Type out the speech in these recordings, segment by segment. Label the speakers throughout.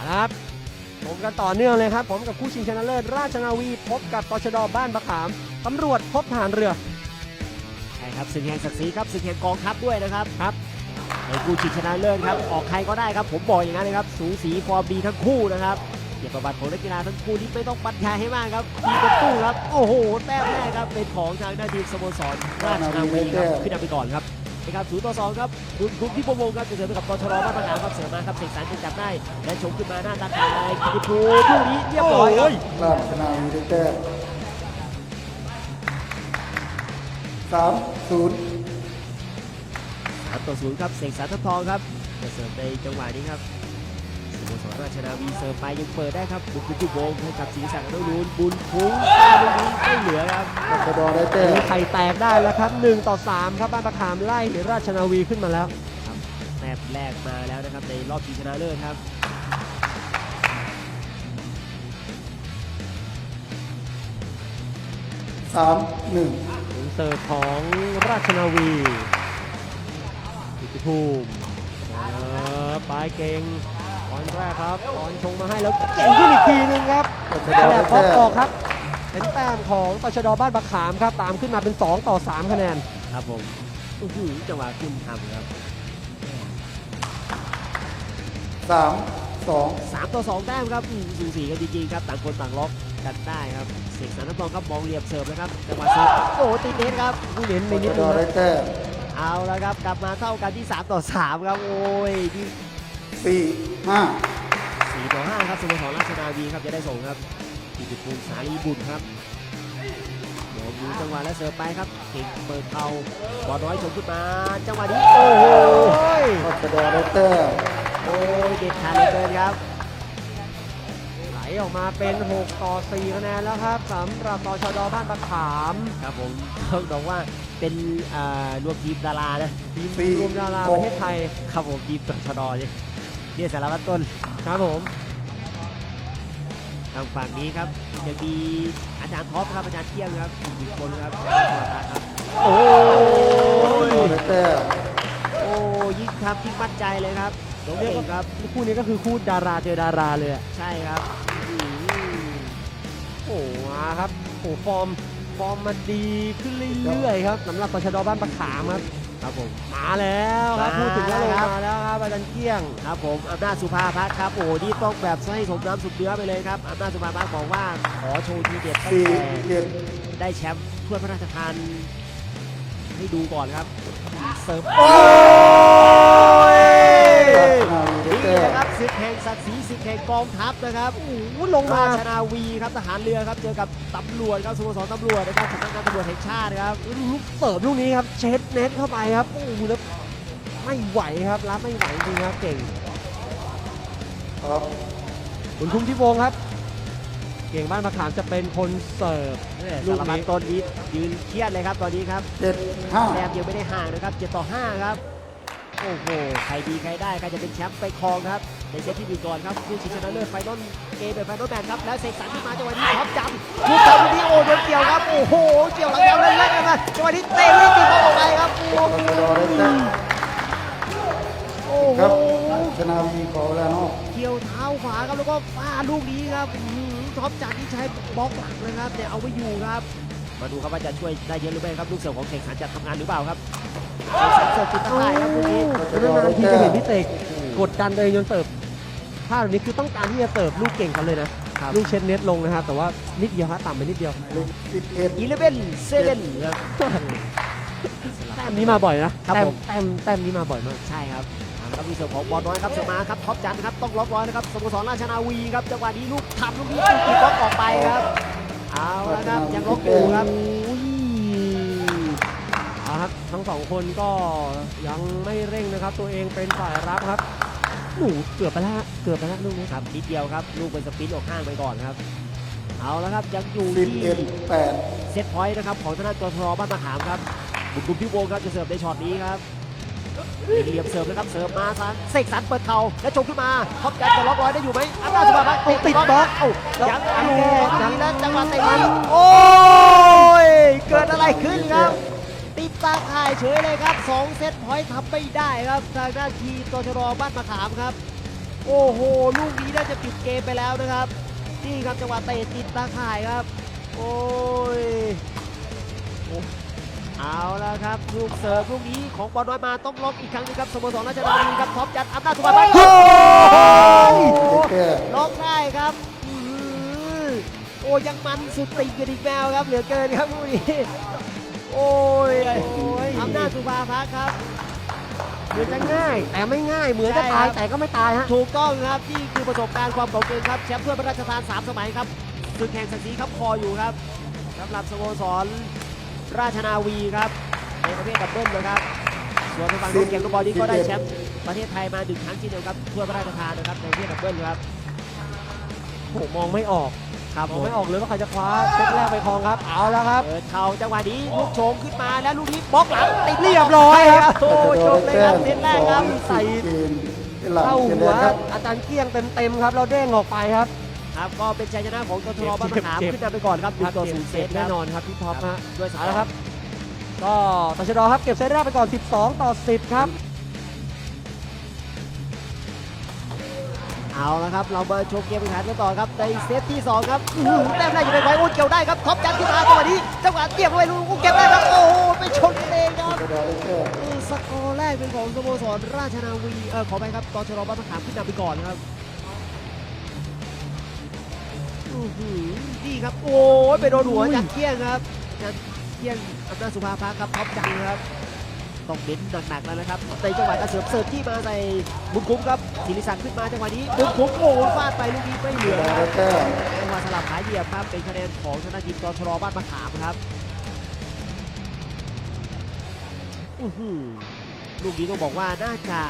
Speaker 1: ครับผมกันต่อเนื่องเลยครับผมกับคู่ชิงชนะเลิศราชนาวีพบกับตชด.บ้านมะขามตำรวจพบทหารเรือ
Speaker 2: ใช่ครับศึกแห่งศักดิ์ศรีครับศึกแห่งกองทัพด้วยนะครับ
Speaker 1: ครับ
Speaker 2: ในคู่ชิงชนะเลิศครับออกใครก็ได้ครับผมบอกอย่างนั้นเลยครับสูสีฟอร์มดีทั้งคู่นะครับเกียรติประวัติของนักกีฬาทั้งคู่ที่ไม่ต้องบรรยายให้มากครับทีมตู้ครับโอ้โหแต้มแรกครับเป็นของทางด้านทีมสโมสรราชนาวีครับขึ้นนำไปก่อนครับนะครับ0-2ครับคุณที่ประวงครับจะเสริมไปกับตชด.บ้านมะขามครับเสริมมาครับเสกสรรจะจับได้และชงขึ้นมาหน้าตาคายกิติภูมิลูกนี้เรียบร้อยครับ
Speaker 3: ราชนาวีได้แต้ม3-0
Speaker 2: 3-0ครับเสกสรรทัพทองครับจะเสริมในจังหวะนี้ครับสโมสรราชนาวีเสริมไปยังเปิดได้ครับบุญจุวงให้กับศรีศักดิ์อนุรูลบุญคุ้งลูกนี้ไม่เหลือครับ
Speaker 3: ตชด.ได้แต้ม
Speaker 1: ไข่แตกได้แล้วครับ1-3ครับบ้านมะขามไล่ราชนาวีขึ้นมาแล้ว
Speaker 2: ครับแต้มแรกมาแล้วนะครับในรอบชิงชนะเลิศครับ
Speaker 3: 3-1
Speaker 1: เสิร์ฟของราชนาวีกิติภูมิปลายเก่งตอนแรกครับตอนชงมาให้แล้วเก่งขึ้นอีกทีนึงครับ
Speaker 3: ตชด.
Speaker 1: แล้
Speaker 3: ได้
Speaker 1: วพอ
Speaker 3: แต้
Speaker 1: ออ
Speaker 3: ม
Speaker 1: กครับเป็นแต้มของตชด.บ้านมะขามครับตามขึ้นมาเป็น2-3คะแนน
Speaker 2: ครับผมจังหวะขึ้นทำครับ
Speaker 3: 3-2
Speaker 2: 3-2แต้มครับสูสีกันจริงๆครับต่างคนต่างล็อกกันได้ครับเสกสรรทัพทองครับมองเหลี่ยมเสิร์ฟนะครับจังหวะเสิร์ฟโอ้ติดเน็ตครับ
Speaker 1: ผู้เล่น
Speaker 3: ต
Speaker 1: ในนิด
Speaker 3: ช
Speaker 1: นึ
Speaker 3: ด.
Speaker 1: ง
Speaker 3: ได้แต้ม
Speaker 2: เอาละครับกลับมาเท่ากันที่3-3ครับโอ้ยที่
Speaker 3: 4-5
Speaker 2: 4-5ครับสโมสรราชนาวีครับจะได้ส่งครับกิติภูมิสาลีบุญครับเดี๋ยวดูจังหวะและเสิร์ฟไปครับเก่งเปิดเข่าบอลน้อยชมขึ้นมาจังหวะนี้โอ้โห
Speaker 3: ตชด.ได้แต้ม
Speaker 2: โอ้ยเด็ดขาดเหลือเกินครับ
Speaker 1: ไหลออกมาเป็น6-4คะแนนแล้วครับสำหรับตชด.บ้านมะขาม
Speaker 2: ครับผมต้องบอกว่าเป็นรวมทีมดารานะ
Speaker 1: ทีมรวมดาราประเทศไทย
Speaker 2: ครับผมทีมตชดเนี่ยสารวัตรต้น
Speaker 1: ครับผม
Speaker 2: ทางฝั่งนี้ครับจะมีอาจารย์ท็อปครับอาจารย์เที่ยงครับอีกคนครับครับ
Speaker 1: โอ้
Speaker 3: ตชด.ได้แต้ม
Speaker 2: โอ้ยิ่งทำยิ่งมั่นใจเลยครับน้องเก่งครับ
Speaker 1: คู่นี้ก็คือคู่ดาราเจอดาราเลยอะ
Speaker 2: ใช่ครับ
Speaker 1: โอ้มาครับโอ้ฟอร์มมันดีขึ้นเรื่อยๆครับสำหรับตชด.บ้านมะขามครับ
Speaker 2: ครับผม
Speaker 1: มาแล้วครับพูดถึงแล้วลง
Speaker 2: ครับ
Speaker 1: มาแล้วครับอาจารย์เกี้ยง
Speaker 2: ครับผมอำนาจสุภาพัฒน์ครับโอ้นี่ต้องแบบให้สมน้ำสุดเนื้อไปเลยครับอำนาจสุภาพัฒน์บอกว่าขอโชว์ทีเด็ดตั้งแต่
Speaker 3: 4-7
Speaker 2: ได้แชมป์ถ้วยพระราชทานให้ดูก่อนครับเสิร์ฟ
Speaker 1: โอ้ย
Speaker 3: ราชนาวีได้
Speaker 2: นี่
Speaker 3: แต้ม
Speaker 2: นะครับศึกแห่งศักดิ์ศรีศึกแห่งกองทัพนะครับ
Speaker 1: โอ้โหลงมา
Speaker 2: ราชนาวีครับทหารเรือครับเจอกับตำรวจครับสโมสรตำรวจนะครับสำนักงานตำรวจแห่งชาติครับ
Speaker 1: ลูกเสิร์ฟลูกนี้ครับเช็ดเน็ตเข้าไปครับโอ้โหแล้วไม่ไหวครับรับไม่ไหวจริงครับเก่ง
Speaker 3: ครับ
Speaker 1: คุณคุ้มที่วงครับ เก่งบ้านมะขามจะเป็นคนเสิร์ฟลู
Speaker 2: สาก รพัด
Speaker 1: นี้
Speaker 2: ต้นนี้ยืนเครียดเลยครับตอนนี้ครับ
Speaker 3: 7-5
Speaker 2: แต้มยังไม่ได้ห่างนะครับ7-5ครับโอ้โหใครดีใครได้ใครจะเป็นแชมป์ไปครองครับในเซตที่หนึ่งก่อนครับคู่ชิงชนะเลิศไฟนอลเกมเป็นไฟนอลแมตช์ครับแล้วเสกสรรขึ้นมาจังหวะนี้ท็อปจำลูกทำลูกนี้โอ้โดนเกี่ยวครับโอ้โหเกี่ยวหลังยาวเล่นๆกันมาจังหวะนี้เตะลูกตีบอลออกไปครับโอ้
Speaker 3: ตชด.ได้แต้ม
Speaker 2: โอ้
Speaker 3: ครับ
Speaker 2: โห
Speaker 3: ราชนาวีขอเวลานอก
Speaker 2: เกี่ยวเท้าขวาครับแล้วก็ฟาดลูกนี้ครับท็อปจัดที่ใช้บล็อกหลังนะครับแต่เอาไว้อยู่ครับมาดูครับว่าจะช่วยได้เยอะหรือไม่ครับลูกเสิร์ฟของเสกสรรจะทำงานหรือเปล่าครับเสกสรรเสิร์ฟจุดตั้งได้ครับลูกนี้
Speaker 1: นานๆทีจะเห็นพี่เตกกดดันตัวเองจนเสิร์ฟท่าแบบนี้คือต้องการที่จะเสิร์ฟลูกเก่งกันเลยนะลูกเช็ดเน็ตลงนะครับแต่ว่านิดเดียวฮะต่ำไปนิดเดียว
Speaker 3: 11
Speaker 2: 11-7ครับ
Speaker 1: แต้มนี้มาบ่อยนะครับ
Speaker 2: ผม
Speaker 1: แต้มนี้มาบ่อยมาก
Speaker 2: ใช่ครับแล้วมีเสิร์ฟของบอลน้อยครับเสิร์ฟมาครับท็อปจันครับต้องล็อกร้อยนะครับสโมสรราชนาวีครับจังหวะนี้ลูกทำลูกนี้ตีบล็อกออกไปครับเอาละครับยังล็อกอยู่ครับ
Speaker 1: อุ้ยเอาครับทั้งสองคนก็ยังไม่เร่งนะครับ ตัวเองเป็นฝ่ายรับครับหนูเกือบไปแล้วลูกนี้
Speaker 2: ครับนิดเดียวครับลูกเป็นสปินออกข้างไปก่อนครับเอาละครับยังอยู่ที่
Speaker 3: 11-8
Speaker 2: เซตพอยต์นะครับของทางด้านกทบ้านมะขามครับบุญกุลพิวงศ์ครับจะเสิร์ฟในช็อตนี้ครับเหลี่ยมเสิร์ฟนะครับเสิร์ฟมาซันเสกสรรเปิดเข่าและชงขึ้นมาท็อปจันจะล็อกร้อยได้อยู่ไหมอำนาจสุภาพัฒน์ติดบล็อกเอ้ายังอยู่ทีนั้นจังหวะเตะมันโอ้ยเกิดอะไรขึ้นครับติดตาข่ายเฉยเลยครับ2เซตพอยต์ทำไม่ได้ครับทางด้านทีมตชดบ้านมะขามครับโโอ้โหลูกนี้น่าจะปิดเกมไปแล้วนะครับนี่ครับจังหวะเตะติดตาข่ายครับโอ้ยเอาละครับลูกเสิร์ฟลูกนี้ของบอลน้อยมาต้องล็อกอีกครั้งนึงครับสโมสรราชนาวีครับท็อปยัดอำนาจสุภาพันธ์
Speaker 3: ได้แต้ม
Speaker 2: ล็อกได้ครับโอ้ยังมันสุดติ่งกันอีกแมวครับเหลือเกินครับลูกนี้โอ้ยอำนาจสุภาพันธ์ครับ
Speaker 1: เหมือนจะง่าย แต่ไม่ง่ายเหมือนจะตายแต่ก็ไม่ตายฮะ
Speaker 2: ถูกต้องครับนี่คือประสบการณ์ความเก่าเกินครับแชมป์ถ้วยพระราชทาน3 สมัยครับศึกแห่งศักดิ์ศรีครับคออยู่ครับสำหรับสโมสรราชนาวีครับในประเภทดับเบิลนะครับส่วนทางฝั่งโน้นเกมลูกบอลนี้ก็ได้แชมป์ประเทศไทยมา1 ครั้งเช่นเดียวครับถ้วยพระราชทานนะครับในประเภทดับเบิลครับ
Speaker 1: ผมมองไม่ออก
Speaker 2: ครับ
Speaker 1: มองไม่ออกเลยว่าใครจะคว้าเซตแรกไปครองครับ เอาแล้วครับ
Speaker 2: เปิดเข่าจังหวะนี้ลูกโฉงขึ้นมาแล้วลูกนี้บล็อกหลังติด
Speaker 1: เรียบร้อยครับ
Speaker 2: โอ้จบเลยครับเซตแรกครับ
Speaker 1: ใส่
Speaker 3: เกมเป็นหลัง
Speaker 1: เข้า
Speaker 3: เกม
Speaker 1: หั
Speaker 3: แด
Speaker 1: ว
Speaker 3: งครับ
Speaker 1: อาจารย์เกี้ยงเต็มๆครับเราเด้งออกไปครับ
Speaker 2: ครับก็เป็นชัยชนะของตทบ้านมะขาม
Speaker 1: เจ็บ
Speaker 2: ขึ้นนำไปก่อนครับ1-0 เซต
Speaker 1: แน่
Speaker 2: แน่
Speaker 1: น
Speaker 2: น
Speaker 1: อ
Speaker 2: อน น
Speaker 1: ครับพี่ท็อปฮะ
Speaker 2: ด้วยส
Speaker 1: เอา
Speaker 2: กอ
Speaker 1: ละ
Speaker 2: ร์
Speaker 1: ครับ ก็ตชดครับเก็บเซตแรกไปก่อน 12-10 ครับ
Speaker 2: เอาละครับเรามาชมเกมแข่งขันกันต่อครับในเซตที่2ครับแต้มแรกอยู่ในไว้อุ้นเกี่ยวได้ครับท็อปยัดขึ้นมาจังหวะนี้จังหวะเกี่ยวเข้าไปลูกเก็บได้ครับโอ้โหไปชนกันเองครับ
Speaker 3: กระดาษได้แต้ม
Speaker 2: สกอร์แรกเป็นของสโมสรราชนาวีขอไปครับตชดบ้านมะขามขึ้นนำไปก่อนครับนี่ครับโอ้ยไปโดนหัวจากเกี้ยงครับจากเกี้ยงอำนาจสุภาพักครับท็อปจังครับต้องเน้นหนักๆแล้วนะครับในจังหวะการเสิร์ฟที่มาใส่บุญคุ้มครับศิริศักดิ์ขึ้นมาจังหวะนี้บุญคุ้มโอ้ฟาดไปลูกนี้ไม่เหลื
Speaker 3: ก
Speaker 2: อ
Speaker 3: ระดาษ
Speaker 2: ครั
Speaker 3: ได้
Speaker 2: บ
Speaker 3: แต้ม
Speaker 2: จังหวะสลับหายเหยียบครับเป็นคะแนนของชนะทีมตชดบ้านมะขามครับลูกนี้ต้องบอกว่าน่าจะ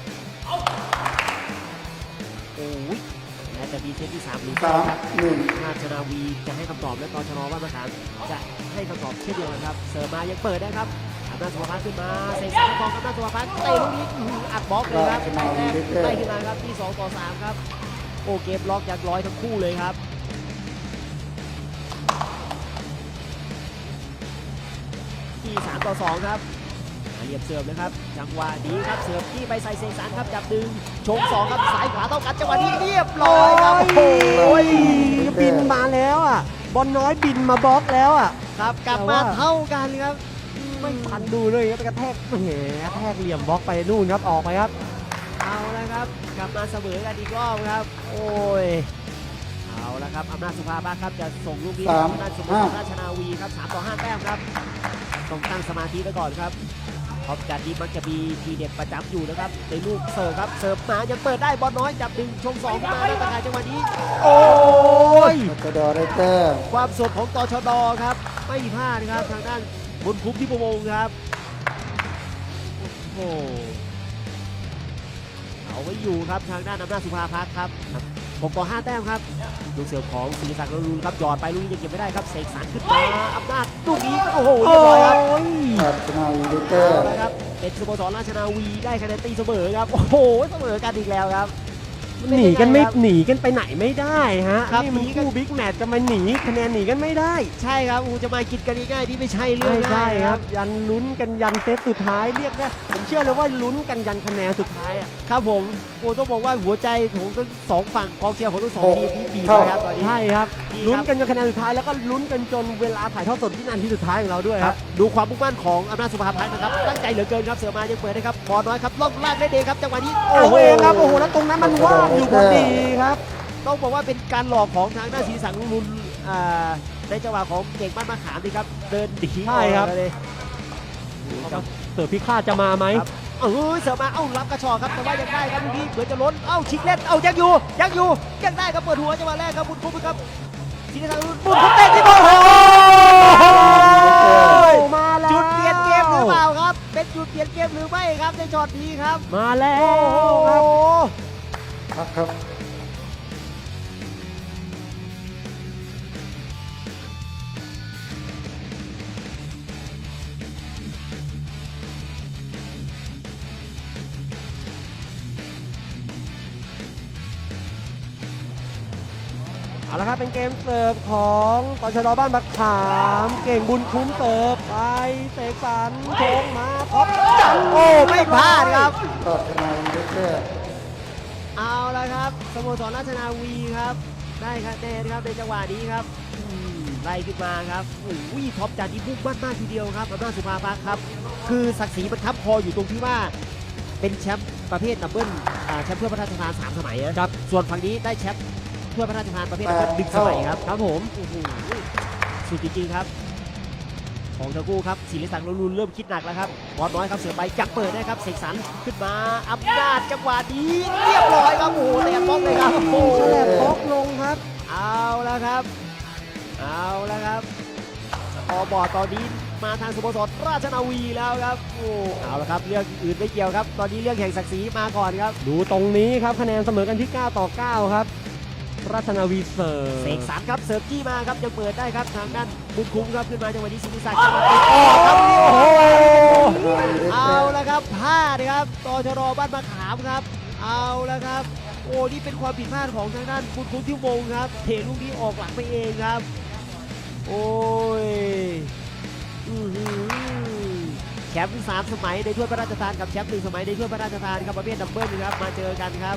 Speaker 2: โอ้ยน่าจะมีเซตที่3หรือไม่ครับ
Speaker 3: 3-1
Speaker 2: ราชนาวีจะให้คำตอบและตชดบ้านมะขามจะให้คำตอบเช่นเดียวกันครับเสิร์ฟมายังเปิดได้ครับอำนาจสุภาพันธ์ขึ้นมาเสกสรรคองอำนาจสุภาพันธ์เตะลูกนี้อัดบล็อกเลยครับไล่ขึ้นมาครับที่2-3ครับโอ้เกมล็อกยันร้อยทั้งคู่เลยครับที่3-2ครับเหยียบเสิร์ฟนะครับจังหวะนี้ครับเสิร์ฟที่ไปใส่เสกสรรครับจับดึงชง2ครับซ้ายขวาเท่ากันจังหวะนี้เรียบร้อยครับ
Speaker 1: โอ้ยบินมาแล้วอ่ะ บอลน้อยบินมาบล็อกแล้วอ่ะ
Speaker 2: ครับกลับมาเท่ากันครับ
Speaker 1: ไม่ทันดูเลยครับไปกระแทกแหมกระแทกเหลี่ยมบล็อกไปนู่นครับออกไปครับ
Speaker 2: เอาละครับกลับมาเสมอกันอีกรอบครับ โอ้ยเอาละครับอำนาจสุภาพักครับจะส่งลูกนี้ให้กับอำนาจสโมสรราชนาวีครับ3-5 แต้มครับต้องตั้งสมาธิไว้ก่อนครับท็อปจัดนี้มักจะมีทีเด็ดประจำอยู่นะครับในลูกเสิร์ฟครับเสิร์ฟมายังเปิดได้บอลน้อยจับดึงชง2มาได้ตะข่ายจังหวะนี้
Speaker 1: โอ้ย
Speaker 3: กระดาษได้แต้ม
Speaker 2: ความสดของตชดครับไม่พลาดครับทางด้านบุญคุ้มที่ประวงครับโอ้โหเอาไว้อยู่ครับทางด้านอำนาจสุภาพักครับ6-5 แต้มครับลูกเสิร์ฟของศิริศักดิ์รุนครับหยอดไปลูกนี้ยังเก็บไม่ได้ครับเสกสรรขึ้นมาอำนาจลูกนี้โอ้โหเรียบร้อยครับ
Speaker 3: ราชนาวีได้แต้
Speaker 2: เอา
Speaker 3: ม
Speaker 2: ละครับเป็นสโมสรราชนาวีได้คะแนนตีเสมอครับโอ้โหเสมอกันอีกแล้วครับ
Speaker 1: หนีกันไม่หนีกันไปไหนไม่ได้ฮะ
Speaker 2: ครับ
Speaker 1: นี่มัน
Speaker 2: หนีกัน
Speaker 1: คู่บิ๊กแมตช์จะมาหนีคะแนนหนีกันไม่ได้
Speaker 2: ใช่ครับอูจะมากินกันง่ายๆนี่ไม่ใช่เรื่อ
Speaker 1: ไม่
Speaker 2: ง
Speaker 1: ใช่
Speaker 2: ง่าย
Speaker 1: ครับ ยันลุ้นกันยันเซตสุดท้ายเรียกได้ผมเชื่อเลยว่าลุ้นกันยันคะแนนสุดท้ายอ่ะ
Speaker 2: ครับผมโอ้ต้องบอกว่าหัวใจของทั้งสองฝั่งกองเชียร์ของทั้งสองทีมนี่บีบ
Speaker 3: เท่า
Speaker 2: เลยครับตอนนี้
Speaker 1: ใช่ครับ
Speaker 2: ดีครับ
Speaker 1: ลุ้นกันจนคะแนนสุดท้ายแล้วก็ลุ้นกันจนเวลาถ่ายทอดสดวินาทีสุดท้ายของเราด้วย
Speaker 2: ค
Speaker 1: ค
Speaker 2: รั
Speaker 1: รั
Speaker 2: บบ ดูความมุ่งมั่นของอำนาจสุภาพันธ์นะครับตั้งใจเหลือเกินครับเสือมายังเปิดนะครับบอลน้อยครับล่องลากได้เองครับจังหวะนี้
Speaker 1: โอ้โหครับโอ้โหแล้วตรงนั้นมันว่างอยู่พอดีครับ
Speaker 2: ต้องบอกว่าเป็นการหลอกของทางด้านศรีสังรุนในจังหวะของเก่งบ้านมะขามนี่ครับเดินดี
Speaker 1: ใช่ครับ
Speaker 2: ออกมาเลย
Speaker 1: เสือพิฆาตจะมาไหม
Speaker 2: ครับเเสือมาเอ้ารับกระชอกครับแต่ว่ายังได้ครับลูกนี้เหมือนจะล้นเอ้าชิงเล่นเอ้ายังอยู่ยังได้ครับเปิดหัวจังหวะแรกครับบุญคุ้มครับศรีสังรุนบุญคุ้มเตะที่บอล
Speaker 1: มาแล้ว
Speaker 2: จุดเปลี่ยนเกมหรือเปล่าครับ เป็นจุดเปลี่ยนเกมหรือไม่ครับในช็อตนี้ครับ
Speaker 1: มาแล้ว
Speaker 2: โอ้
Speaker 1: ครับ
Speaker 3: พักครับ
Speaker 1: เอาละครับเป็นเกมเสิร์ฟของตชดบ้านบักขามเก่งบุญคุ้มเสิร์ฟไปเสกสรรโชงมาท็อปจัง
Speaker 2: โอ้ไม่พลาดครับ
Speaker 3: ราชนาวีได้แต้ม
Speaker 2: เอาละครับสโมสรราชนาวีครับได้คะแนนครับในจังหวะนี้ครับไล่ขึ้นมาครับโอ้ยท็อปจากที่มุ่งมั่นมากทีเดียวครับอำนาจสุภาพักครับคือศักดิ์ศรีมันทับคออยู่ตรงที่ว่าเป็นแชมป์ประเภทดับเบิลแชมป์ถ้วยพระราชทาน3 สมัยนะครับส่วนฝั่งนี้ได้แชมป์ถ้วยพระราชทานประเภทดับเบิล1 สมัยครับครับผมโอ้โหสุดจริงๆครับของทั้งคู่ครับศิริศักดิ์ลุนเริ่มคิดหนักแล้วครับบอลน้อยครับเสือใบจับเปิดได้ครับเสกสรรขึ้นมาอำนาจจังหวะนี้เรียบร้อยครับโอ้โหแหลมบล็อกเลยครับโอ้โห
Speaker 1: ฉลบบล็อกลงครับ
Speaker 2: เอาแล้วครับพอบอร์ดตอนนี้มาทางสโมสรราชนาวีแล้วครับโอ้เอาละครับเรื่องอื่นไม่เกี่ยวครับตอนนี้เรื่องแห่งศักดิ์ศรีมาก่อนครับ
Speaker 1: ดูตรงนี้ครับคะแนนเสมอกันที่ 9-9 ครับ ราชนาวีเสิร์ฟ
Speaker 2: เสกสรรครับเสิร์ฟจี้มาครับยังเปิดได้ครับทางด้านบุญคุ้มครับขึ้นมาจังหวะนี้ศิริศักดิ์จะมาติดออกครับโอ้โห เอาละครับพลาดครับตชรบ้านมะขามครับ เอาละครับ โอ้นี่เป็นความผิดพลาดของทางด้านบุญคุ้มที่วงครับเทลูกนี้ออกหลังไปเองครับ โอ้ยอื้อหือแชมป์3 สมัยในถ้วยพระราชทานกับแชมป์1 สมัยในถ้วยพระราชทานครับประเภทดับเบิลครับมาเจอกันครับ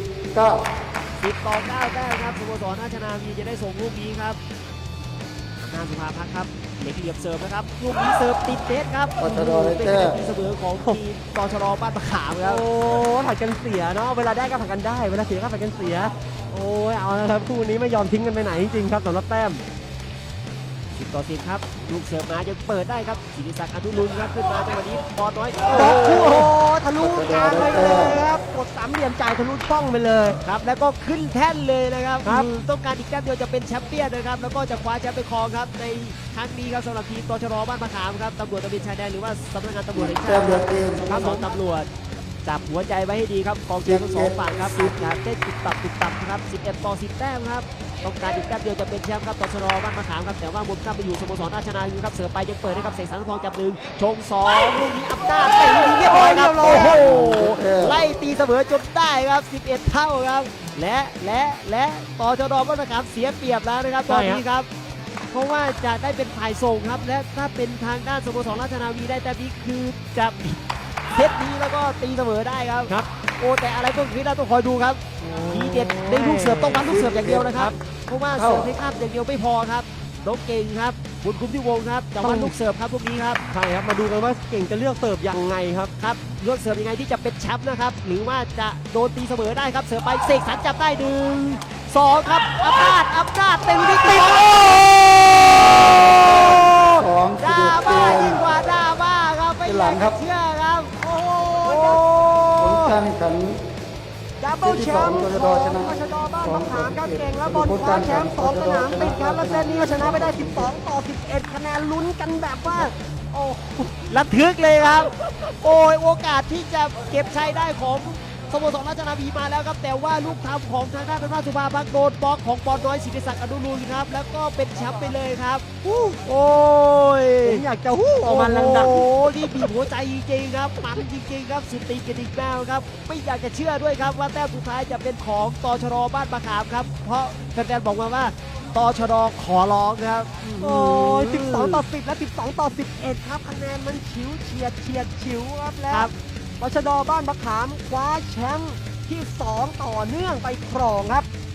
Speaker 3: 19
Speaker 2: 10-9 แต้มครับสโมสรราชนาวีจะได้ส่งลูกนี้ครับอำนาจสุภาพักครับเล็กเหลี่ยมเสิร์ฟนะครับลูกนี้เสิร์ฟติดเน็ตครับ
Speaker 3: ตชร
Speaker 2: เป็นคะแนนตีเสมอของทีมตชรบ้านมะขามครับ
Speaker 1: โอ้ผัดกันเสียเนาะเวลาได้ก็ผัดกันได้เวลาเสียก็ผัดกันเสีย โอ้ยเอาละครับคู่นี้ไม่ยอมทิ้งกันไปไหนจริงๆครับสำหรับแต้ม
Speaker 2: 10-10ครับลูกเสิร์ฟมายังเปิดได้ครับศิริศักดิ์อนุรุณครับขึ้นมาจังหวะนี้บอลน้อย
Speaker 1: โอ้โหทะลุกลางไปเลยครับกดสามเหลี่ยมจ่ายทะลุช่องไปเลย
Speaker 2: ครับแล้วก็ขึ้นแท่นเลยนะครับ
Speaker 1: ครับ
Speaker 2: ต้องการอีกแต้มเดียวจะเป็นแชมป์เปี้ยนนะครับแล้วก็จะคว้าแชมป์ไปครองครับในครั้งนี้ครับสำหรับทีมตชรบ้านมะขามครับตำรวจตระเวนชายแดนหรือว่าสำนักงานตำรวจแห่งชา
Speaker 3: แต้ม
Speaker 2: ติ
Speaker 3: เดียวเกม
Speaker 2: สโมสรตำรวจจับหัวใจไว้ให้ดีครับกองเชียร์ทั้งสองฝั่งครับอย่าเต้นตุบตับครับ11-10 แต้มครับต้องการอีกแต้มเดียวจะเป็นแชมป์ครับตชรบ้านมะขามครับแต่ว่ามุมข้ามไปอยู่สโมสรราชนาวีครับเสือไปยังเปิดให้กับเสกสรรทองจับหนึ่งชง2ลูกนี้อำนาจเตะลูกนี้เรียบร้อยครับโอ้โหไล่ตีเสมอจนได้ครับ11 เท่าครับและตชรบ้านมะขามเสียเปรียบแล้วนะครับตอนนี้ครับเพราะว่าจะได้เป็นฝ่ายส่งครับและถ้าเป็นทางด้านสโมสรราชนาวีได้แต้มนี้คือจะเซตนี้แล้วก็ตีเสมอได้ครับ
Speaker 1: ครับ
Speaker 2: โอ้แต่อะไรพวกนี้เราต้องคอยดูครับทีเด็ดในลูกเสิร์ฟต้องวัดลูกเสิร์ฟอย่างเดียวนะครับเพราะว่าเสิร์ฟให้ข้ามอย่างเดียวไม่พอครับน้องเก่งครับบุญคุ้มที่วงครับจะวัดลูกเสิร์ฟครับพวกนี้ครับ
Speaker 1: ใช่ครับมาดูกันว่าเก่งจะเลือกเสิร์ฟยังไงครับ
Speaker 2: ครับเลือกเสิร์ฟยังไงที่จะเป็นแชมป์นะครับหรือว่าจะโดนตีเสมอได้ครับเสิร์ฟไปเสกสรรจับได้1-2ครับอำนาจเต็มที่ติด
Speaker 3: 2
Speaker 2: ดรา
Speaker 3: 11เก
Speaker 2: ม่าม ยิ่งกว่าดราม่าครับไม่
Speaker 3: เป็น
Speaker 2: อ
Speaker 3: หลั
Speaker 2: ยาก
Speaker 3: งครั
Speaker 2: จะ
Speaker 3: บ
Speaker 2: เชื่อครับโอ้โห
Speaker 3: ผลการแข่งขัน
Speaker 1: ดับเบิลแชมป์ของราชดบ้านมะขามครับเก่งแล้วบอลคว้าแชมป์2 สนามติดครับแล้วเซตนี้ก็ชนะไปได้12-11 คะแนนลุ้นกันแบบว่า โอ้โห
Speaker 2: ระทึกเลยครับ โอ้ยโอกาสที่จะเก็บชัยได้ของสโมสรราชนาวีมาแล้วครับ แต่ว่าลูกทำของทางด้านราชสุภาพักโดนบล็อกของบอลน้อยศิริศักดิ์อนุรุณครับ แล้วก็เป็นแชมป์ไปเลยครับโอ้ย
Speaker 1: ผมอยากจะฮู้ออกมาดัง
Speaker 2: โอ้โหนี่บีบหัวใจจริงๆครับมันจริงๆครับสุดตีกันอีกแล้วครับ ไม่อยากจะเชื่อด้วยครับว่าแต้มสุดท้ายจะเป็นของตชรบ้านมะขามครับ เพราะแฟนๆบอกมาว่าตชรขอร้องครับ
Speaker 1: ๆ โอ้ย12-10 และ 12-11 ครับคะแนนมันฉิวเฉียดฉิวครับแล้
Speaker 2: คว รับ
Speaker 1: ราชดบ้านมะขามคว้าแชมป์ที่ 2 ต่อเนื่องไปครองครับ